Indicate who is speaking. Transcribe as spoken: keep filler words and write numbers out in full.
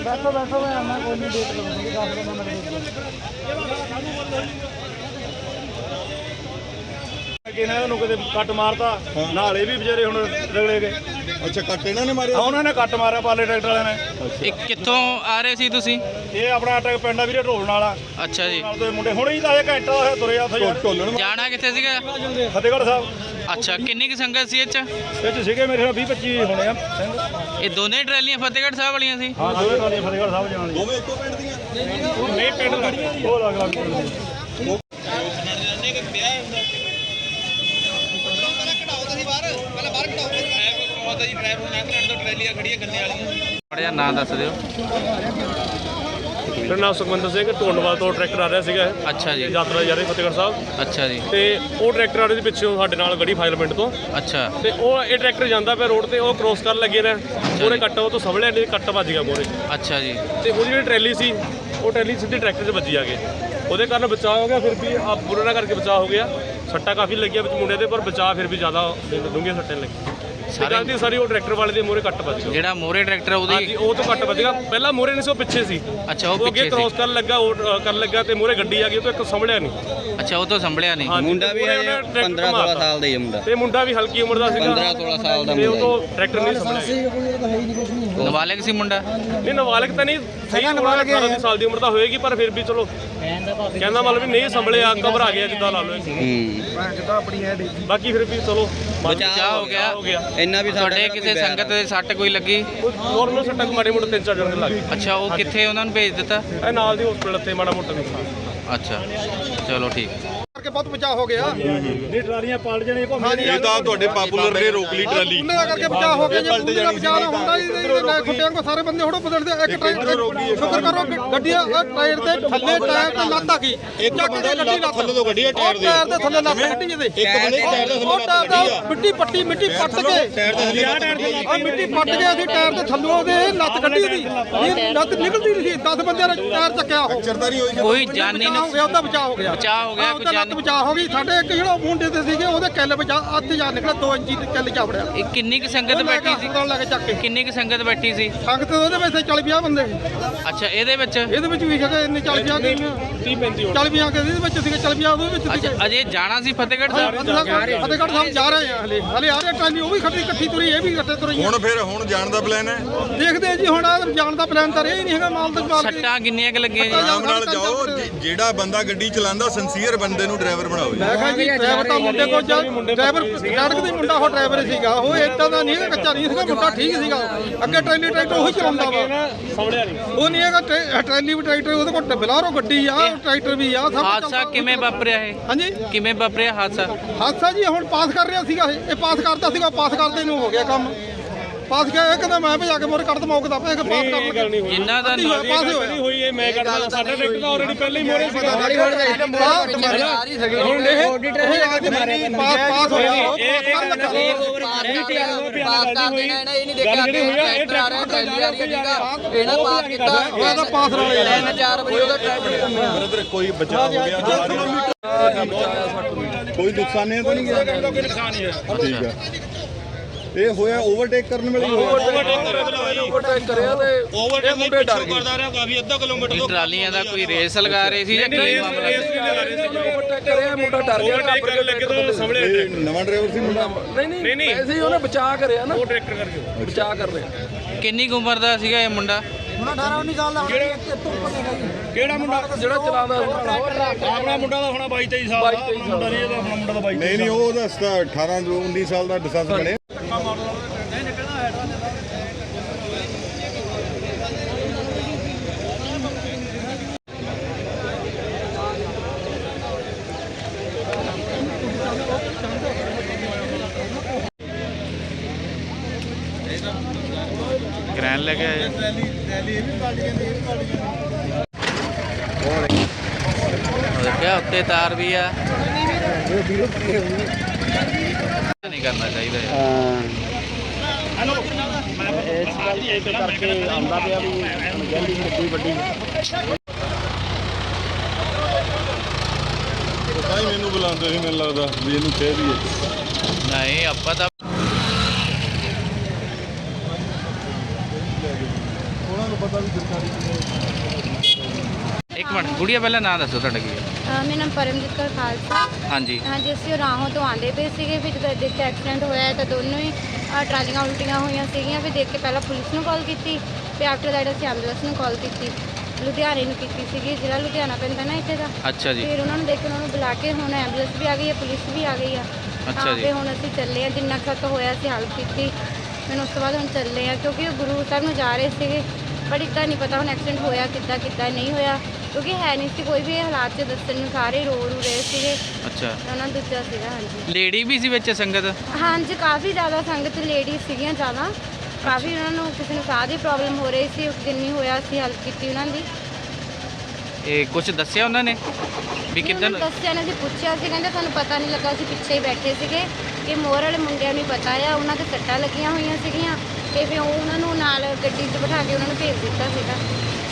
Speaker 1: बैठो बैठो मैं मैं कोई नहीं देख
Speaker 2: ਇਹਨਾਂ ਨੂੰ ਕਦੇ ਕੱਟ ਮਾਰਤਾ ਨਾਲੇ ਵੀ ਵਿਚਾਰੇ ਹੁਣ ਰਗੜੇ ਗਏ।
Speaker 3: ਅੱਛਾ ਕੱਟ ਇਹਨਾਂ ਨੇ ਮਾਰਿਆ?
Speaker 2: ਉਹਨਾਂ ਨੇ ਕੱਟ ਮਾਰਿਆ ਪਾਲੇ ਟਰੈਕਟਰ ਵਾਲਿਆਂ ਨੇ।
Speaker 4: ਇਹ ਕਿੱਥੋਂ ਆ ਰਹੇ ਸੀ ਤੁਸੀਂ?
Speaker 2: ਇਹ ਆਪਣਾ ਟਰੈਕ ਪਿੰਡ ਆ ਵੀਰੇ ਢੋਲ ਵਾਲਾ।
Speaker 4: ਅੱਛਾ ਜੀ।
Speaker 2: ਨਾਲ ਦੇ ਮੁੰਡੇ ਹੁਣੇ ਹੀ ਤਾਂ ਇਹ ਘੰਟਾ ਹੋਇਆ ਤੁਰੇ ਆ ਉੱਥੇ
Speaker 3: ਢੋਲਣ
Speaker 4: ਜਾਣਾ ਕਿੱਥੇ ਸੀਗਾ?
Speaker 2: ਫਤਿਹਗੜ੍ਹ ਸਾਹਿਬ।
Speaker 4: ਅੱਛਾ, ਕਿੰਨੀ ਕੁ ਸੰਗਤ ਸੀ ਇਹ 'ਚ?
Speaker 2: ਇਹ 'ਚ ਸੀਗੇ ਮੇਰੇ ਨਾਲ ਵੀਹ ਪੱਚੀ ਹੋਣੇ ਆ ਸਿੰਘ।
Speaker 4: ਇਹ ਦੋਨੇ ਟਰਾਲੀਆਂ ਫਤਿਹਗੜ੍ਹ ਸਾਹਿਬ ਵਾਲੀਆਂ ਸੀ?
Speaker 2: ਹਾਂ ਦੋਵੇਂ ਟਰਾਲੀਆਂ ਫਤਿਹਗੜ੍ਹ ਸਾਹਿਬ ਜਾਣ
Speaker 3: ਦੋਵੇਂ ਇੱਕੋ ਪਿੰਡ ਦੀਆਂ?
Speaker 2: ਨਹੀਂ ਪਿੰਡ ਗੜੀਆਂ ਉਹ ਅਲੱਗ ਅਲੱਗ ਪਿੰਡ ਦੀਆਂ।
Speaker 4: ਬੜਿਆ ਨਾਂ ਦੱਸ ਦਿਓ।
Speaker 2: ਮੇਰਾ ਨਾਮ ਸੁਖਮੰਦਰ ਸਿੰਘ, ਢੋਲਵਾਲ ਤੋਂ ਟਰੈਕਟਰ ਆ ਰਿਹਾ ਸੀਗਾ।
Speaker 4: ਅੱਛਾ ਜੀ।
Speaker 2: ਯਾਤਰਾ ਜਾ ਰਹੀ ਫਤਿਹਗੜ੍ਹ ਸਾਹਿਬ।
Speaker 4: ਅੱਛਾ ਜੀ।
Speaker 2: ਤੇ ਉਹ ਟਰੈਕਟਰ ਆ ਰਿਹਾ ਸੀ ਪਿੱਛੋਂ ਸਾਡੇ ਨਾਲ ਗੜੀ ਫਾਇਲ ਪਿੰਡ ਤੋਂ।
Speaker 4: ਅੱਛਾ।
Speaker 2: ਤੇ ਉਹ ਇਹ ਟਰੈਕਟਰ ਜਾਂਦਾ ਪਿਆ ਰੋਡ ਤੇ, ਉਹ ਕ੍ਰੋਸ ਕਰਨ ਲੱਗੇ ਨੇ ਮੋਰੇ ਕੱਟ, ਉਹ ਤੋਂ ਸਵਲਿਆ ਨਹੀਂ ਕੱਟ ਵੱਜ ਗਿਆ ਮੋਰੇ।
Speaker 4: ਅੱਛਾ ਜੀ।
Speaker 2: ਤੇ ਉਹ ਜਿਹੜੀ ਟਰੈਲੀ ਸੀ ਉਹ ਟਰੈਲੀ ਸਿੱਧੀ ਟਰੈਕਟਰ 'ਚ ਵੱਜੀ ਆ ਕੇ, ਉਹਦੇ ਕਾਰਨ ਬਚਾਅ ਹੋ ਗਿਆ। ਫਿਰ ਵੀ ਆ ਬੁਰਾ ਨਾ ਕਰਕੇ ਬਚਾਅ ਹੋ ਗਿਆ। ਸੱਟਾਂ ਕਾਫੀ ਲੱਗੀਆਂ ਵਿੱਚ ਮੁੰਡੇ ਦੇ, ਪਰ ਬਚਾਅ ਫਿਰ ਵੀ ਜ਼ਿਆਦਾ ਡੂੰਘੀਆਂ ਸੱਟਾਂ ਲੱਗੀਆਂ। ਸਾਰੀ ਦੀ ਸਾਰੀ ਉਹ ਟਰੈਕਟਰ ਵਾਲੇ ਦੇ ਮੋਰੇ ਕੱਟ ਵੱਜ ਗਿਆ।
Speaker 4: ਜਿਹੜਾ ਮੋਰੇ ਟਰੈਕਟਰ ਉਹਦੀ?
Speaker 2: ਹਾਂਜੀ ਉਹ ਤੋਂ ਕੱਟ ਵੱਜ ਗਿਆ। ਪਹਿਲਾਂ ਮੋਰੇ ਨਹੀਂ ਸੀ, ਉਹ ਪਿੱਛੇ ਸੀ।
Speaker 4: ਅੱਛਾ, ਉਹ
Speaker 2: ਉਹ
Speaker 4: ਪਿੱਛੇ
Speaker 2: ਅੱਗੇ ਕ੍ਰੋਸ ਕਰਨ ਲੱਗਾ, ਉਹ ਕਰਨ ਲੱਗਾ ਤੇ ਮੋਰੇ ਗੱਡੀ ਆ ਗਈ, ਉਹ ਤੋਂ ਇੱਕ ਸੰਭਲਿਆ ਨਹੀਂ।
Speaker 4: ਅੱਛਾ, ਉਹ ਤੋਂ ਸੰਭਲਿਆ ਨਹੀਂ।
Speaker 5: ਮੁੰਡਾ ਵੀ ਪੰਦਰਾਂ ਸੋਲਾਂ ਸਾਲ ਦਾ ਹੀ ਮੁੰਡਾ,
Speaker 2: ਤੇ ਮੁੰਡਾ ਵੀ ਹਲਕੀ ਉਮਰ ਦਾ ਸੀਗਾ,
Speaker 5: ਪੰਦਰਾਂ ਸੋਲਾਂ ਸਾਲ ਦਾ
Speaker 2: ਤੇ ਉਹ
Speaker 5: ਮੁੰਡਾ।
Speaker 2: ਤੋਂ ਟਰੈਕਟਰ ਨਹੀਂ ਸੰਭਲਿਆ।
Speaker 4: ਨਾਬਾਲਗ ਸੀ ਮੁੰਡਾ?
Speaker 2: ਨਹੀਂ ਨਾਬਾਲਗ ਤਾਂ ਨਹੀਂ, ਸਹੀ ਉਮਰ ਅਠਾਰਾਂ ਸਾਲ ਦੀ ਉਮਰ ਤਾਂ ਹੋਏਗੀ, ਪਰ ਫਿਰ ਵੀ ਚਲੋ ਕਹਿੰਦਾ ਮਤਲਬ ਵੀ ਨਹੀਂ ਸੰਭਲਿਆ, ਘਬਰਾ ਗਿਆ ਜਿੱਦਾਂ ਲਾ ਲਓ।
Speaker 5: ਹੂੰ
Speaker 2: ਬਾਕੀ ਫਿਰ ਵੀ ਚਲੋ
Speaker 4: ਬਚਾਅ ਹੋ ਗਿਆ।
Speaker 2: ਹੋ ਗਿਆ।
Speaker 4: ਇੰਨਾ ਵੀ ਤੁਹਾਡੇ ਕਿਸੇ ਸੰਗਤ ਦੇ ਸੱਟ ਕੋਈ ਲੱਗੀ?
Speaker 2: ਨੋਰਮਲ ਸੱਟਾਂ ਮਾੜੇ ਮੋਟੇ ਤਿੰਨ ਚਾਰ ਜਣੇ ਲੱਗ ਗਏ।
Speaker 4: ਅੱਛਾ, ਉਹ ਕਿੱਥੇ ਉਹਨਾਂ ਨੂੰ ਭੇਜ ਦਿੱਤਾ?
Speaker 2: ਇਹ ਨਾਲ ਦੀ ਹਸਪੀਟਲ ਤੇ ਮਾੜਾ ਮੋਟਾ ਨੁਕਸਾਨ।
Speaker 4: ਅੱਛਾ, ਚਲੋ ਠੀਕ।
Speaker 1: ਕਰਕੇ ਬਹੁਤ ਬਚਾਅ ਹੋ ਗਿਆ।
Speaker 2: ਇਹ ਟਰਾਲੀਆਂ ਪਲਟ ਜਾਣੀਆਂ ਘੁੰਮ
Speaker 3: ਇਹ ਤਾਂ ਤੁਹਾਡੇ ਪਾਪੂਲਰ ਨੇ ਰੋਕ ਲਈ ਟਰਾਲੀ।
Speaker 1: ਉਹਨਾਂ ਕਰਕੇ ਬਚਾਅ ਹੋ ਗਿਆ। ਜੇ ਪੂਰੀ ਦਾ ਬਚਾਅ ਨਾ ਹੁੰਦਾ ਇਹ ਖੁੱਟਿਆਂ ਕੋ ਸਾਰੇ ਬੰਦੇ ਹੋੜੋ ਬਦਲਦੇ। ਇੱਕ ਟਾਇਰ ਸ਼ੁਕਰ ਕਰੋ ਗੱਡੀਆਂ ਟਾਇਰ ਦੇ ਥੱਲੇ ਟਾਇਰ ਤੇ ਲੱਤ ਆ ਗਈ।
Speaker 3: ਇੱਕ ਬੰਦਾ ਲੱਤ ਥੱਲੇ ਤੋਂ ਗੱਡੀ ਟਾਇਰ ਦੇ
Speaker 1: ਟਾਇਰ ਦੇ ਥੱਲੇ ਲੱਤ ਗੱਡੀ ਜਿਹਦੇ
Speaker 3: ਇੱਕ ਬੰਦੇ ਟਾਇਰ ਦੇ
Speaker 1: ਉਹ ਟਾਇਰ ਦਾ ਮਿੱਟੀ ਪੱਟੀ ਮਿੱਟੀ ਪੱਟ ਕੇ
Speaker 3: ਟਾਇਰ ਦੇ ਥੱਲੇ
Speaker 1: ਆ ਮਿੱਟੀ ਪੱਟ ਕੇ ਅਸੀਂ ਟਾਇਰ ਦੇ ਥੱਲੋਂ ਉਹਦੇ ਲੱਤ ਕੱਢੀ ਦੀ ਇਹ ਲੱਤ ਨਿਕਲਦੀ ਨਹੀਂ ਸੀ। ਦਸ ਬੰਦਿਆਂ ਨੇ ਟਾਇਰ ਚੱਕਿਆ ਉਹ
Speaker 3: ਚਰਦਾਰੀ ਹੋਈ।
Speaker 4: ਕੋਈ ਜਾਨੀ
Speaker 1: ਹੋ ਗਿਆ, ਉਹਦਾ ਬਚਾਅ ਹੋ ਗਿਆ।
Speaker 4: ਬਚਾਅ ਹੋ ਗਿਆ, ਕੋਈ
Speaker 1: ਉਹਦਾ ਲੱਤ
Speaker 4: ਜਾਨੀ
Speaker 1: ਬਚਾਅ ਹੋ ਗਈ। ਸਾਡੇ ਇੱਕ ਜਿਹੜਾ ਮੁੰਡੇ ਤੇ ਸੀਗੇ ਉਹਦੇ ਕਿੱਲ ਬਚਾ ਅੱਧ ਜਾ ਨਿਕਲਿਆ, ਦੋ ਇੰਚੀ ਕਿੱਲ ਜਾ ਵੜਿਆ।
Speaker 4: ਇਹ ਕਿੰਨੀ ਕੁ ਸੰਗਤ ਬੈਠੀ ਸੀ?
Speaker 1: ਕੋਲ ਲੈ ਕੇ ਚੱਕ ਕੇ
Speaker 4: ਕਿੰਨੀ ਕੁ ਸੰਗਤ ਬੈਠੀ ਸੀ?
Speaker 1: ਸੰਗਤ ਉਹਦੇ ਵਿੱਚ ਚਾਲੀ ਪੰਜਾਹ ਬੰਦੇ।
Speaker 4: ਅੱਛਾ, ਇਹਦੇ ਵਿੱਚ?
Speaker 1: ਇਹਦੇ ਵਿੱਚ ਵੀ ਹੈਗੇ ਇੰਨੇ ਚਾਲੀ ਪੰਜਾਹ ਗਈਆਂ,
Speaker 2: ਤੀਹ ਪੈਂਤੀ ਹੋਣ।
Speaker 1: ਚਾਲੀ ਪੰਜਾਹ ਕੇ ਇਹਦੇ ਵਿੱਚ ਸੀਗੇ, ਚਾਲੀ ਪੰਜਾਹ ਉਹਦੇ ਵਿੱਚ
Speaker 4: ਅੱਛਾ,
Speaker 1: ਸੀਗੇ।
Speaker 4: ਅਜੇ ਜਾਣਾ ਸੀ ਫਤਿਹਗੜ੍ਹ ਸਾਹਿਬ?
Speaker 1: ਫਤਿਹਗੜ੍ਹ ਸਾਹਿਬ ਜਾ ਰਹੇ ਆ, ਹਲੇ ਹਲੇ ਆ ਰਹੇ ਟਰਾਲੀ, ਉਹ ਵੀ ਖੱਟੀ ਇਕੱਠੀ ਤੁਰੀ, ਇਹ ਵੀ ਇਕੱਠੇ ਤੁਰੀ।
Speaker 3: ਹੁਣ ਫਿਰ ਹੁਣ ਜਾਣ ਦਾ ਪਲਾਨ ਹੈ?
Speaker 1: ਦੇਖਦੇ ਆ ਜੀ, ਹੁਣ ਆਹ ਜਾਣ ਦਾ ਪਲਾਨ ਤਾਂ ਇਹ ਹੀ ਨਹੀਂ ਹੈਗਾ। ਮਾਲ ਤੇ ਮਾਲ
Speaker 4: ਸੱਟਾਂ ਕਿੰਨੀਆਂ ਕੁ ਲੱਗੀਆਂ ਜੀ?
Speaker 3: ਆਰਾਮ ਨਾਲ ਜਾਓ। ਜਿਹੜਾ ਬੰਦਾ ਗੱਡੀ ਚਲਾਉਂਦਾ ਸਿੰਸੀਅਰ ਬੰਦੇ ਨੂੰ ਡਰਾਈਵਰ ਬਣਾਓ।
Speaker 1: ਮੈਂ ਕਿਹਾ ਜੀ ਡਰਾਈਵਰ ਤਾਂ ਮੁੰਡੇ ਕੋਲ ਜਾ ਡਰਾਈਵਰ ਸੜਕ ਦੇ ਮੁੰਡਾ ਉਹ ਡਰਾਈਵਰ ਸੀਗਾ, ਉਹ ਏਦਾਂ ਦਾ ਨਹੀਂ ਹੈਗਾ, ਕੱਚਾ ਨਹੀਂ ਸੀਗਾ ਮੁੰਡਾ, ਠੀਕ ਸੀਗਾ। ਅੱਗੇ ਟਰੈਲੀ ਟਰੈਕਟਰ ਉਹੀ ਚਲਾਉਂਦਾ ਵਾ,
Speaker 2: ਸੰਭਲਿਆ ਨਹੀਂ।
Speaker 1: ਉਹ ਨਹੀਂ ਹੈਗਾ ਟਰੈਲੀ ਵੀ ਟਰੈਕਟਰ, ਉਹਦੇ ਕੋਲ ਬਲਾਰੋ ਗੱਡੀ ਆ, ਟਰੈਕਟਰ ਵੀ ਆ, ਸਭ
Speaker 4: ਹਾਦਸਾ ਕਿਵੇਂ ਵਾਪਰਿਆ ਇਹ?
Speaker 1: ਹਾਂਜੀ
Speaker 4: ਕਿਵੇਂ ਵਾਪਰਿਆ ਹਾਦਸਾ?
Speaker 1: ਹਾਦਸਾ ਜੀ ਹੁਣ ਪਾਸ ਕਰ ਰਿਹਾ ਸੀਗਾ, ਇਹ ਇਹ ਪਾਸ ਕਰਦਾ ਸੀਗਾ, ਪਾਸ ਕਰਦੇ ਨੂੰ ਹੋ ਗਿਆ ਕੰਮ। ਪਾਸ ਗਿਆ ਇਹ ਕਹਿੰਦਾ ਮੈਂ ਭਜਾ ਕੇ ਮੋਰੇ ਕੱਢ ਦਮਾਉ ਦਾ ਪਾਸ ਕਰਨ
Speaker 2: ਇਹ ਗੱਲ ਨਹੀਂ ਹੋਈ।
Speaker 4: ਜਿੰਨਾ ਦਾ
Speaker 1: ਪਾਸ ਹੋਇਆ
Speaker 2: ਨਹੀਂ ਹੋਈ, ਇਹ ਮੈਂ ਕਰਦਾ। ਸਾਡਾ ਟਰੈਕਟਰ ਤਾਂ ਆਲਰੇਡੀ ਪਹਿਲਾਂ ਹੀ ਮੋਰੇ ਸੀਗਾ।
Speaker 1: ਹੁਣ ਇਹ ਉਹ ਆ ਕੇ ਪਾਸ ਪਾਸ ਹੋਇਆ, ਉਹ ਪਾਸ ਕਰਨ ਲੱਗਾ।
Speaker 6: ਪਾਸ ਕਰ ਦੇਣਾ ਇਹਨਾਂ ਇਹ ਨਹੀਂ ਦੇਖਿਆ ਕਿ ਟਰੈਕਟਰ ਆ ਰਿਹਾ ਟਰੈਲੀ ਆ ਰਹੀ ਹੈ, ਠੀਕ ਆ। ਇਹਨਾਂ ਪਾਸ ਕੀਤਾ,
Speaker 1: ਉਹ ਤਾਂ ਪਾਸ ਵਾਲੇ
Speaker 6: ਤਿੰਨ ਚਾਰ ਵਜੇ ਉਹਦਾ ਟਰੈਕਟਰ
Speaker 3: ਬ੍ਰਦਰ ਕੋਈ ਬਚਾਅ ਹੋ ਗਿਆ? ਕੋਈ ਨੁਕਸਾਨ ਨਹੀਂ ਤਾਂ ਨਹੀਂ ਗਿਆ?
Speaker 2: ਕੋਈ ਨੁਕਸਾਨ ਨਹੀਂ ਹੈ।
Speaker 3: ਠੀਕ ਹੈ। ਇਹ ਹੋਇਆ ਓਵਰਟੇਕ ਕਰਨ ਵੇਲੇ ਹੀ ਹੋਇਆ?
Speaker 2: ਓਵਰਟੇਕ ਕਰਿਆ ਤੇ ਓਵਰਟੇਕ ਮੁੰਡੇ ਡਰ ਗਏ। ਕਰਦਾ ਰਿਹਾ ਕਾਫੀ ਅੱਧਾ ਕਿਲੋਮੀਟਰ
Speaker 4: ਇਹ ਟਰਾਲੀਆਂ ਦਾ ਕੋਈ ਰੇਸ ਲਗਾ ਰਹੇ ਸੀ ਜਾਂ ਕੀ ਮਾਮਲਾ?
Speaker 2: ਓਵਰਟੇਕ ਕਰਿਆ, ਮੁੰਡਾ ਡਰ ਗਿਆ। ਓਵਰਟੇਕ ਕਰਨ ਲੱਗੇ ਤਾਂ ਸੰਭਲਿਆ
Speaker 3: ਇਹ ਨਵਾਂ ਡਰਾਈਵਰ ਸੀ ਮੁੰਡਾ?
Speaker 2: ਨਹੀਂ ਨਹੀਂ ਐਸੇ ਹੀ ਉਹਨੇ ਬਚਾਅ ਕਰਿਆ ਨਾ, ਉਹ ਟਰੈਕਟਰ ਕਰਕੇ ਬਚਾਅ ਕਰ ਰਿਹਾ।
Speaker 4: ਕਿੰਨੀ ਕੁ ਉਮਰ ਦਾ ਸੀਗਾ ਇਹ ਮੁੰਡਾ?
Speaker 1: ਅਠਾਰਾਂ ਉੱਨੀ ਸਾਲ ਦਾ
Speaker 2: ਕਿਹੜਾ ਮੁੰਡਾ ਜਿਹੜਾ ਚਲਾਉਂਦਾ ਆਪਣਾ ਮੁੰਡਾ ਦਾ ਹੋਣਾ ਬਾਈ ਤੇਈ ਸਾਲ ਦਾ। ਆਪਣਾ ਮੁੰਡਾ ਨਹੀਂ, ਇਹਦਾ ਆਪਣਾ ਮੁੰਡਾ ਦਾ ਬਾਈ
Speaker 3: ਨਹੀਂ ਨਹੀਂ ਉਹ ਦੱਸਦਾ ਅਠਾਰਾਂ ਉੱਨੀ ਸਾਲ ਦਾ ਲਾਇਸੈਂਸ ਬਣਿਆ।
Speaker 4: ਗ੍ਰੈਂਡ ਲੈ ਕੇ ਆਏ? ਦੇਖਿਆ ਉੱਤੇ ਤਾਰ ਵੀ ਆ। ਨਹੀਂ ਕਰਨਾ ਚਾਹੀਦਾ ਯਾਰ।
Speaker 1: ਇਸ ਗੱਲ ਇਹ ਕਰਕੇ ਆਉਂਦਾ ਪਿਆ ਵੀ ਜਲਦੀ ਗੱਡੀ ਵੱਡੀ
Speaker 3: ਤਾਂ ਹੀ ਮੈਨੂੰ ਬੁਲਾਉਂਦੇ ਸੀ, ਮੈਨੂੰ ਲੱਗਦਾ ਵੀ ਇਹਨੂੰ ਕਹਿ ਦਈਏ।
Speaker 4: ਨਹੀਂ ਆਪਾਂ ਤਾਂ
Speaker 3: ਉਹਨਾਂ
Speaker 4: ਇੱਕ ਮਿੰਟ ਗੁੜੀਆ ਪਹਿਲਾਂ ਨਾਂ ਦੱਸੋ ਤੁਹਾਡਾ ਕੀ ਹੈ?
Speaker 7: ਅਹ ਮੇਰਾ ਨਾਮ ਪਰਮਜੀਤ ਕੌਰ ਖਾਲਸਾ।
Speaker 4: ਹਾਂਜੀ
Speaker 7: ਹਾਂਜੀ ਅਸੀਂ ਉਹ ਰਾਹੋਂ ਤੋਂ ਆਉਂਦੇ ਪਏ ਸੀਗੇ, ਵੀ ਜਦੋਂ ਦੇਖ ਕੇ ਐਕਸੀਡੈਂਟ ਹੋਇਆ ਹੈ ਤਾਂ ਦੋਨੋਂ ਹੀ ਅਹ ਟਰਾਲੀਆਂ ਉਲਟੀਆਂ ਹੋਈਆਂ ਸੀਗੀਆਂ। ਵੀ ਦੇਖ ਕੇ ਪਹਿਲਾਂ ਪੁਲਿਸ ਨੂੰ ਕਾਲ ਕੀਤੀ, ਫਿਰ ਆਫਟਰ ਦੈਟ ਅਸੀਂ ਐਂਬੂਲੈਂਸ ਨੂੰ ਕਾਲ ਕੀਤੀ, ਲੁਧਿਆਣੇ ਨੂੰ ਕੀਤੀ ਸੀਗੀ, ਜਿਹੜਾ ਲੁਧਿਆਣਾ ਪੈਂਦਾ ਨਾ ਇੱਥੇ ਦਾ।
Speaker 4: ਅੱਛਾ ਜੀ
Speaker 7: ਫਿਰ ਉਹਨਾਂ ਨੂੰ ਦੇਖ ਕੇ ਉਹਨਾਂ ਨੂੰ ਬੁਲਾ ਕੇ ਹੁਣ ਐਂਬੂਲੈਂਸ ਵੀ ਆ ਗਈ ਹੈ, ਪੁਲਿਸ ਵੀ ਆ ਗਈ ਆ।
Speaker 4: ਅੱਛਾ
Speaker 7: ਤਾਂ
Speaker 4: ਜੀ।
Speaker 7: ਫਿਰ ਹੁਣ ਅਸੀਂ ਚੱਲੇ ਆ, ਜਿੰਨਾ ਖਤ ਹੋਇਆ ਅਸੀਂ ਹੈਲਪ ਕੀਤੀ। ਮੈਨੂੰ ਉਸ ਤੋਂ ਬਾਅਦ ਹੁਣ ਚੱਲੇ ਆ, ਕਿਉਂਕਿ ਉਹ ਗੁਰੂ ਸਾਹਿਬ ਨੂੰ ਜਾ ਰਹੇ ਸੀਗੇ, ਪਰ ਇੱਦਾਂ ਨਹੀਂ ਪਤਾ ਹੁਣ ਐਕਸੀਡੈਂਟ ਹੋਇਆ ਕਿੱਦਾਂ ਕਿੱਦਾਂ ਨਹੀਂ ਹੋਇਆ, ਕਿਉਂਕਿ ਹੈ ਨਹੀਂ ਸੀ ਕੋਈ ਵੀ ਹਾਲਾਤ 'ਚ ਦੱਸਣ ਨੂੰ, ਸਾਰੇ ਰੋ ਰੂ ਰਹੇ ਸੀਗੇ।
Speaker 4: ਅੱਛਾ
Speaker 7: ਉਹਨਾਂ ਨੂੰ ਦੂਜਾ ਸੀਗਾ। ਹਾਂਜੀ
Speaker 4: ਲੇਡੀ ਵੀ ਸੀ ਵਿੱਚ ਸੰਗਤ?
Speaker 7: ਹਾਂਜੀ ਕਾਫੀ ਜ਼ਿਆਦਾ ਸੰਗਤ ਲੇਡੀਜ਼ ਸੀਗੀਆਂ ਜ਼ਿਆਦਾ, ਕਾਫੀ ਉਹਨਾਂ ਨੂੰ ਕਿਸੇ ਨੂੰ ਸਾਹ ਦੀ ਪ੍ਰੋਬਲਮ ਹੋ ਰਹੀ ਸੀ, ਜਿੰਨੀ ਹੋਇਆ ਅਸੀਂ ਹੈਲਪ ਕੀਤੀ ਉਹਨਾਂ ਦੀ।
Speaker 4: ਇਹ ਕੁਝ ਦੱਸਿਆ ਉਹਨਾਂ ਨੇ ਵੀ ਕਿੱਦਾਂ?
Speaker 7: ਕਿੱਦਾਂ ਦੱਸਿਆ ਨਾ, ਅਸੀਂ ਪੁੱਛਿਆ ਸੀ, ਕਹਿੰਦੇ ਸਾਨੂੰ ਪਤਾ ਨਹੀਂ ਲੱਗਾ, ਅਸੀਂ ਪਿੱਛੇ ਹੀ ਬੈਠੇ ਸੀਗੇ, ਕਿ ਮੋਰ ਵਾਲੇ ਮੁੰਡਿਆਂ ਨੂੰ ਹੀ ਪਤਾ ਆ, ਉਹਨਾਂ ਦੇ ਸੱਟਾਂ ਲੱਗੀਆਂ ਹੋਈਆਂ ਸੀਗੀਆਂ, ਤੇ ਫਿਰ ਉਹ ਉਹਨਾਂ ਨੂੰ ਨਾਲ ਗੱਡੀ 'ਚ ਬਿਠਾ ਕੇ ਉਹਨਾਂ ਨੂੰ ਭੇਜ ਦਿੱਤਾ ਸੀਗਾ।